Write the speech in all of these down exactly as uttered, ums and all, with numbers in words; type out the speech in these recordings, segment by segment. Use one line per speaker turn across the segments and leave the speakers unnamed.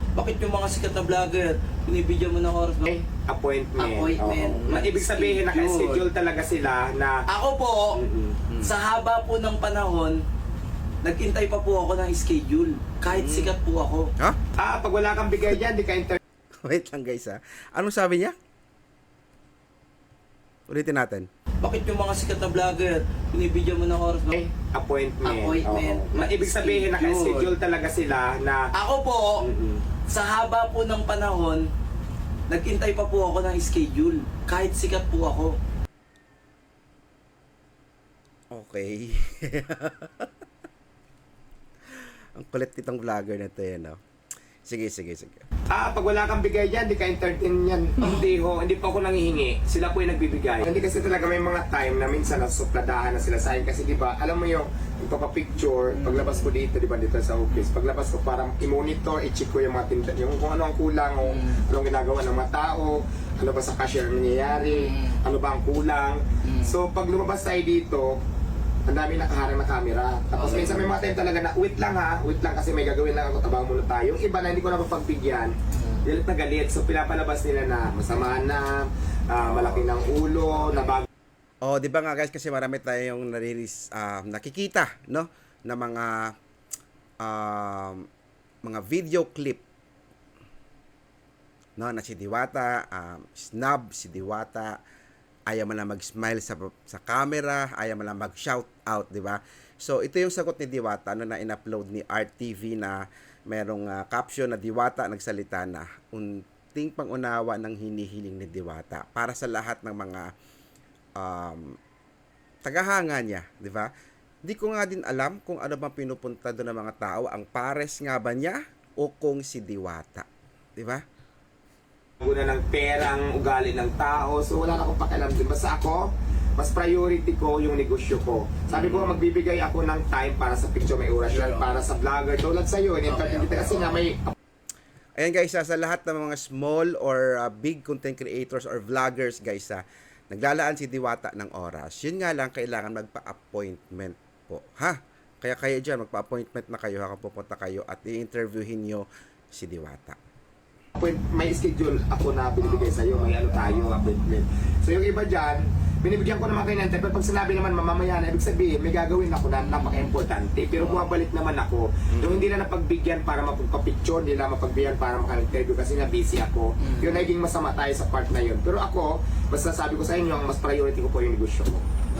Bakit yung mga sikat na vlogger, binibigyan mo ng oras ba?
Eh, appointment.
Appointment.
Oo. Na, ibig sabihin, naka-schedule talaga sila na...
Ako po,
Mm-mm.
sa haba po ng panahon, nag-intay pa po ako ng schedule. Kahit sikat po ako.
Ha?
Ah, pag wala kang bigay dyan, di ka inter...
Wait lang guys ha. Anong sabi niya? Ulitin natin.
Bakit yung mga sikat na vlogger, binibigyan mo ng oras ba?
Eh, appointment.
Appointment.
Oo. Na, ibig sabihin,
Schedule.
naka-schedule talaga sila na...
Ako po,
Mm-mm.
sa haba po ng panahon, nag-intay pa po ako ng schedule. Kahit sikat po ako.
Okay. Ang kulit nitong vlogger na to yan, no? Sige, sige, sige.
Ah, pag wala kang bigay dyan, di ka entertain yan. Hindi ho, hindi pa ako nangihingi. Sila po yung nagbibigay. Hindi kasi talaga may mga time na minsan nasupladahan na sila sa akin. Kasi di ba, alam mo yung picture, paglabas ko dito, di ba, dito sa office, paglabas ko parang i-monitor, i-check ko yung mga tinda, yung kung ano ang kulang, o anong ginagawa ng mga tao, ano ba sa cashier nangyayari, ano ba ang kulang. So, pag lumabas tayo dito, ang dami nakaharang na camera. Tapos
Okay.
minsan may mga time talaga na, wait lang ha, wait lang kasi may gagawin lang ako, tabang muna tayo. Yung iba na hindi ko napapagbigyan, galit na galit. So pinapalabas nila na masama na, ah, malaki ng ulo, na bago.
Oh, di ba nga guys, kasi marami tayong nariris, ah, nakikita, no? Na mga um, mga video clip, no? Na si Diwata, um, snub si Diwata, ayaw mo lang mag-smile sa sa camera, ayaw mo lang mag-shout out, di ba? So, ito yung sagot ni Diwata no, na in-upload ni R T V na merong uh, caption na Diwata nagsalita na unting pangunawa ng hinihiling ni Diwata para sa lahat ng mga um, tagahanga niya, di ba? Di ko nga din alam kung ano bang pinupunta doon ng mga tao, ang pares nga ba niya o kung si Diwata, di ba?
Guna ng perang ugali ng tao. So wala na akong pakialam din. Basta ako, mas priority ko yung negosyo ko. Sabi ko, magbibigay ako ng time para sa picture, may oras yan, para sa vlogger. Tulad sa'yo, in-entertain kita kasi nga may...
Ayan guys, ah, sa lahat ng mga small or uh, big content creators or vloggers guys, ah, naglalaan si Diwata ng oras. Yun nga lang, kailangan magpa-appointment po. Ha? Kaya kayo dyan, magpa-appointment na kayo, haka pupunta kayo at i-interviewin nyo si Diwata.
May schedule ako na binibigay sa'yo, may ano tayo, appointment. So yung iba dyan, binibigyan ko naman kayo ng time. Pero pag sinabi naman mamamaya na, ibig sabihin, may gagawin ako na napaka-importante. Pero bumabalik naman ako. Yung hindi na napagbigyan para mapagpa-picture, hindi na mapagbigyan para maka-interview kasi na busy ako. Yung naging masama tayo sa part na yun. Pero ako, basta sabi ko sa inyo, ang mas priority ko po yung negosyo ko.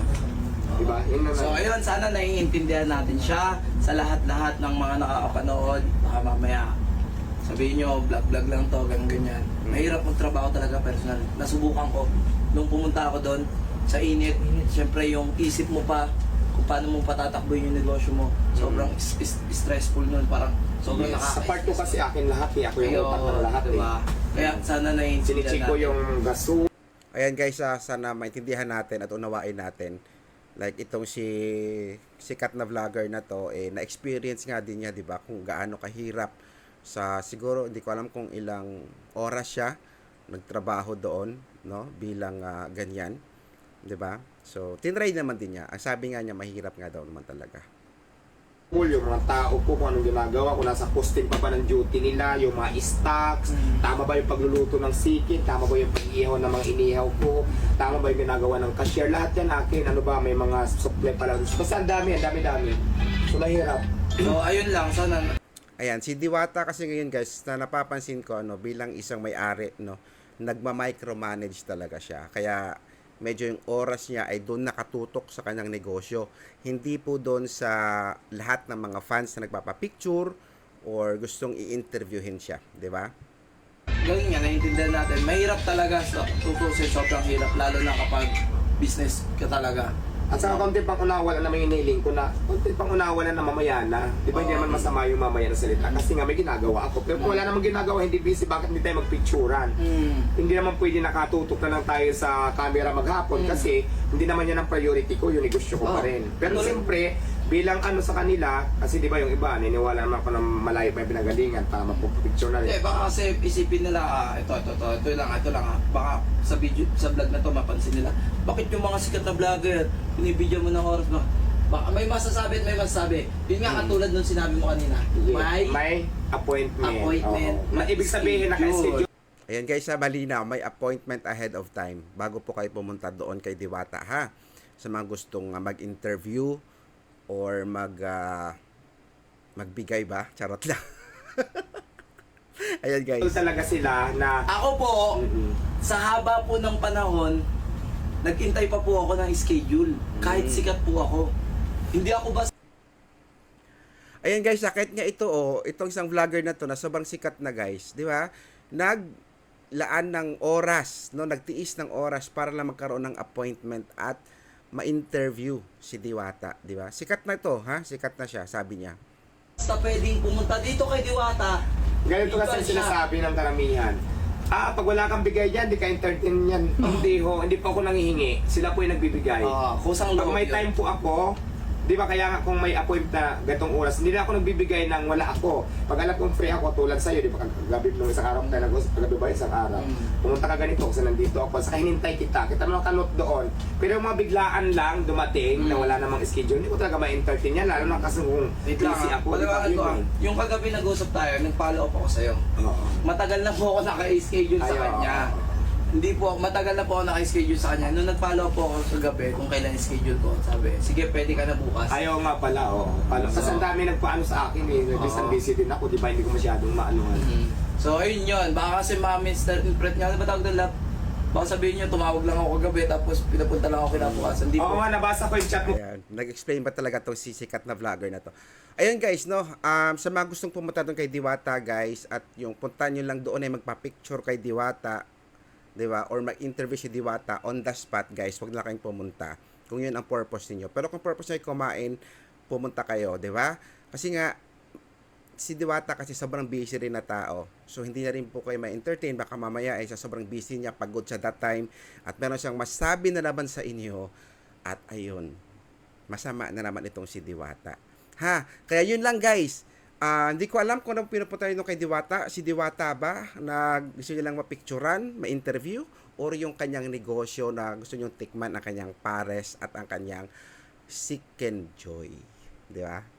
Diba? Yun naman.
So ayun, sana naiintindihan natin siya sa lahat-lahat ng mga nakakapanood. Baka mamaya sabihin nyo, vlog-vlog lang to, ganyan ganyan. Mahirap magtrabaho talaga personal. Nasubukan ko. Nung pumunta ako doon, sa init, siyempre yung isip mo pa kung paano mo patatakbuhin yung negosyo mo. Sobrang is- is- stressful nun. Parang sobrang
Yes, sa part ko kasi akin lahat eh. Ako yung
Ayun,
utak ng lahat
diba?
eh.
Kaya sana naiintindihan
Sinichik ko
natin.
yung gaso.
Ayan guys, ah, sana maintindihan natin at unawain natin. Like itong si sikat na vlogger na to, eh, na-experience nga din niya, di ba, kung gaano kahirap sa siguro hindi ko alam kung ilang oras siya nagtrabaho doon, no, bilang uh, ganyan, 'di ba? So tinry naman din niya. Ang sabi nga niya mahirap nga daw naman talaga.
Yung mga tao ko, kung anong ginagawa, kung nasa posting pa ba ng duty nila, yung mga stocks,
Mm.
tama ba yung pagluluto ng sikin, tama ba yung pag-ihaw ng mga inihaw ko, tama ba yung ginagawa ng cashier, lahat yan akin, ano ba, may mga supply pa lang. Basta ang dami, ang dami-dami. So mahirap.
So ayun lang, sana
Ayan, si Diwata kasi ngayon guys, na napapansin ko ano, bilang isang may-ari, no, nagma-micromanage talaga siya. Kaya medyo yung oras niya ay doon nakatutok sa kanyang negosyo. Hindi po doon sa lahat ng mga fans na nagpapapicture or gustong i-interviewin siya, di ba?
gawin nga, naiintindihan natin. Mahirap talaga sa tutusin, sobrang hirap, lalo na kapag business ka talaga.
At saka konti pang unawa na may iniling ko na, konti pang unawa na mamaya na. Di ba hindi naman masama yung mamaya na salita? Kasi nga may ginagawa ako. Pero kung wala namang ginagawa, hindi busy, bakit hindi tayo magpicturan?
Mm.
Hindi naman pwede nakatutok na lang tayo sa camera maghapon
Mm.
kasi hindi naman yan ang priority ko, yung negosyo ko
Oh.
pa rin. Pero
Tuloy.
siyempre, bilang ano sa kanila, kasi di ba yung iba, niniwala naman ako ng malayo pa yung pinagalingan para mapupicture na rin.
Hindi, baka kasi isipin nila, ah, ito, ito, ito, ito lang, ito lang, ah. Baka sa video, sa vlog na to, mapansin nila, bakit yung mga sikat na vlogger, binibigyan mo ng oras ba? Baka may masasabi at may masasabi. Yun nga katulad nung sinabi mo kanina. May,
may appointment.
appointment.
Oo. Ma- Ibig sabihin,
Schedule.
naka-schedule.
Ayan guys, ha, malinaw, may appointment ahead of time bago po kayo pumunta doon kay Diwata, ha? Sa mga gustong uh, mag-interview or mag uh, magbigay ba? Charot lang. Ayan guys.
talaga sila na
Ako po,
Mm-mm.
sa haba po ng panahon, nagintay pa po ako ng schedule. Kahit
Mm.
sikat po ako. Hindi ako basta
Ayan guys, sakit nga ito oh, itong isang vlogger na to na sobrang sikat na guys, di ba? Naglaan ng oras, no, nagtiis ng oras para lang magkaroon ng appointment at ma-interview si Diwata, di ba? Sikat na to, ha? Sikat na siya, sabi niya.
pwedeng pumunta dito kay Diwata.
ganito kasi
Ikaw siya.
sinasabi ng karamihan. Ah, pag wala kang bigay dyan, di ka entertain yan. Hindi ho, hindi pa ako nangihingi. Sila po yung nagbibigay.
Ah, kusang
Pag
loob
may
yun.
time po ako, di ba kaya nga kung may appointment na gatong oras, hindi na ako nagbibigay ng wala ako. Pag alam kong free ako, tulad sa'yo, di ba kagabi nung isang araw tayo nag-usap, kagabi ba isang araw,
Mm.
pumunta ka ganito kasi nandito ako, saka hinintay kita, kita mo kalot doon. Pero yung mga biglaan lang dumating na
Mm.
wala namang schedule, hindi ko talaga ma-entertain yan, lalo na kasi kung
Wait lang,
busy
ha?
ako. di ba,
Paliwanag ko,
yun
ah.
eh.
Yung kagabi nag-usap tayo, nag-follow up ako sa'yo.
Oo.
Matagal na po ako naka-schedule sa
Ayaw.
kanya. Hindi po, matagal na po ako naka-schedule sa kanya. Nung nag-follow up po ako kagabi kung kailan schedule ko, sabi, sige, pwede ka na bukas.
Ayaw nga pala, oo. Pala, kasi ang dami nagpaano sa akin eh. Nag-busy
Oo.
busy din ako, di ba? Hindi ko masyadong maanuhan.
Mhm. So, ayun yun. Baka kasi ma-misinterpret niya. Ano ba tawag doon, lap? Baka sabihin niyo, tumawag lang ako kagabi tapos pinapunta lang ako kinabukasan. Hindi
Oo
po.
nga, nabasa ko yung chat mo.
Ayan, nag-explain ba talaga tong sisikat na vlogger na to? Ayun guys, no, um, sa mga gustong pumunta doon kay Diwata guys, at yung punta nyo lang doon ay magpa-picture kay Diwata, di ba? Or mag-interview si Diwata on the spot guys, wag na kayong pumunta kung yun ang purpose niyo. Pero kung purpose niyo ay kumain, pumunta kayo, di ba? Kasi nga, si Diwata kasi sobrang busy rin na tao. So, hindi na rin po kayo ma-entertain. Baka mamaya ay sa sobrang busy niya, pagod siya that time, at meron siyang masabi na naman sa inyo, at ayun, masama na naman itong si Diwata. Ha? Kaya yun lang guys. Ah, hindi ko alam kung anong pinupunta nyo kay Diwata. Si Diwata ba na gusto nyo lang mapicturan, ma-interview? Or yung kanyang negosyo na gusto nyo tikman ang kanyang pares at ang kanyang Chicken Joy. Di ba?